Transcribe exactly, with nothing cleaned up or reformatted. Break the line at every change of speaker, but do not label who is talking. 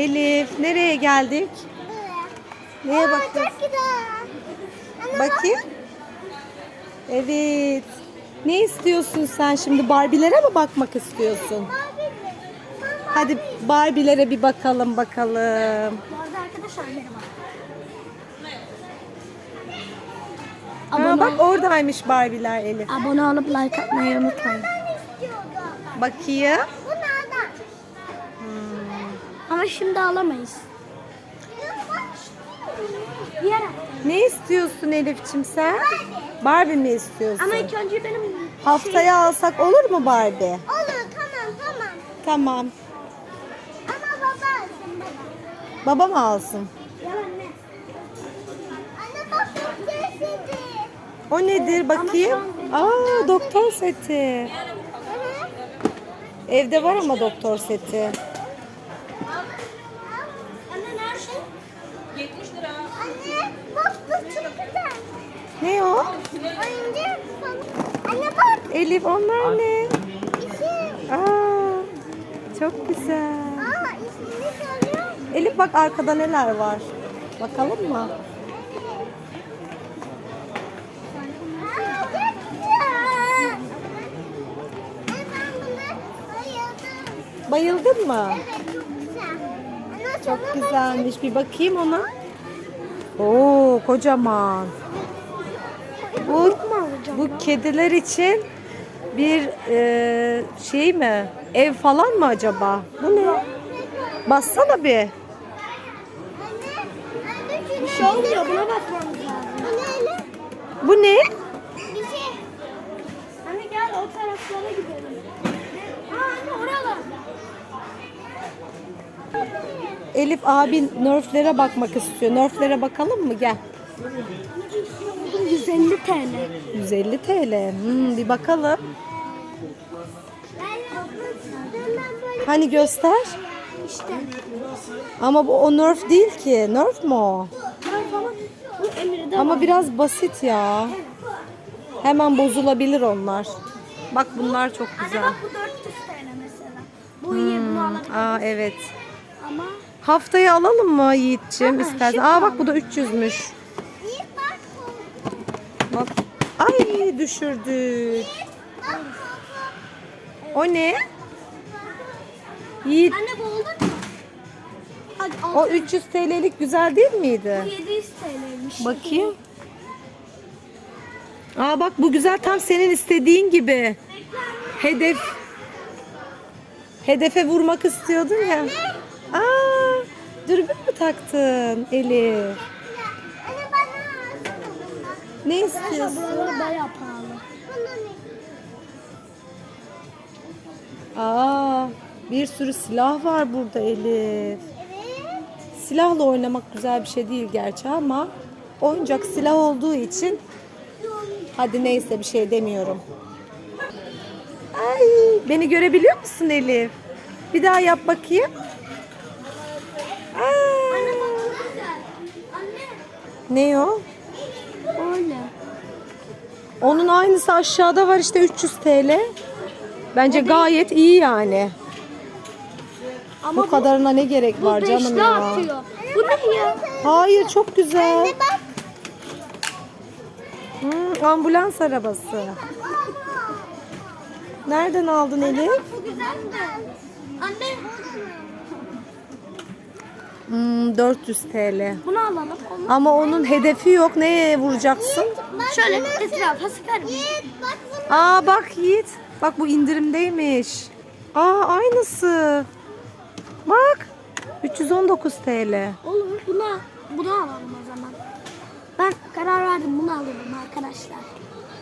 Elif, nereye geldik? Neye
Aa,
bakıyorsun?
çok güzel. Ana,
Bakayım. Evet. Ne istiyorsun sen şimdi? Barbie'lere mi bakmak istiyorsun? Hadi Barbie'lere bir bakalım bakalım.
Bu arada arkadaşlar merhaba.
Ha, bak oradaymış Barbie'ler Elif.
Abone olup like atmayı unutmayın.
Bakayım.
Ama şimdi alamayız. Diğer
Ne istiyorsun Elif'ciğim sen? Barbie mi istiyorsun?
Ama ilk önce benim
Haftaya alsak olur mu Barbie?
Olur, tamam tamam.
Tamam.
Ama baba alsın baba.
Baba mı alsın?
Yalan ne? Anne bak çok sesli.
O nedir bakayım? Aa, doktor seti. Evde var ama doktor seti.
Anne nerede? yetmiş lira. Anne bak bu çok güzel.
Ne o?
Oyuncak falan. Anne bak.
Elif onlar ne?
İşim.
Aa, çok güzel.
Aa ismini söylüyor.
Elif bak arkada neler var. Bakalım mı?
Aa çok güzel. Anne ben buna bayıldım.
Bayıldın mı?
Evet çok güzel. Anne
Çok
sana
güzelmiş. Bir bakayım ona. Oo, kocaman. Bu bu kediler için bir e, şey mi? Ev falan mı acaba? Bu ne? Bassana bir.
Anne, anne şuna bir şey olmuyor. Buna bakmamız lazım. Bu ne öyle?
Bu ne?
Bir şey. Anne gel o taraflara gidelim. Aa anne oralar.
Elif abin Nerf'lere bakmak istiyor. Nerf'lere bakalım mı? Gel.
yüz elli TL.
yüz elli TL. Hmm, bir bakalım. Hani göster.
İşte.
Ama bu o Nerf değil ki. Nerf mu o?
Bu Emir'de
Ama
var.
biraz basit ya. Hemen bozulabilir onlar. Bak bunlar çok
Anne
güzel.
bak bu dört yüz TL mesela. Bu iyi bunu alabiliriz.
Aa evet.
Ama
Haftaya alalım mı Yiğit'ciğim
Aa,
istersen?
şimdi
Aa bak bu da üç yüzmüş.
iyi bak.
Bak. Ay düşürdük. O ne? Yiğit
Anne bu oldu mu? Hadi al.
o üç yüz TL'lik güzel değil miydi?
Bu yedi yüz TL'ymiş.
Bakayım. Aa bak bu güzel tam senin istediğin gibi. Hedef. Hedefe vurmak istiyordun ya. Aa, dürbün mü taktın Elif?
Anne bana alsana bundan.
Ne istiyorsun?
Buraları bayağı pahalı.
Aa, bir sürü silah var burada Elif.
Evet.
Silahla oynamak güzel bir şey değil gerçi ama oyuncak silah olduğu için hadi neyse bir şey demiyorum. Ay, beni görebiliyor musun Elif? Bir daha yap bakayım. Aa,
Anne bak bu güzel. Anne.
ne o?
Öyle.
Onun aynısı aşağıda var işte üç yüz TL. Bence gayet iyi yani.
Ama
Bu kadarına ne gerek
bu
var canım
beşli
ya?
atıyor. Bu ne ya?
Hayır çok güzel.
Anne bak.
Hmm, ambulans arabası. Nereden aldın Elif?
Bu güzel mi? Anne.
Hmm, dört yüz TL.
Bunu alalım. Onu.
Ama onun hedefi yok. Neye vuracaksın?
Şöyle etrafa sıkarım. Bak bunu.
Aa bak Yiğit. Bak bu indirimdeymiş. Aa aynısı. Bak. üç yüz on dokuz TL.
Olur. Buna, bunu alalım o zaman. Ben karar verdim. Bunu alalım arkadaşlar.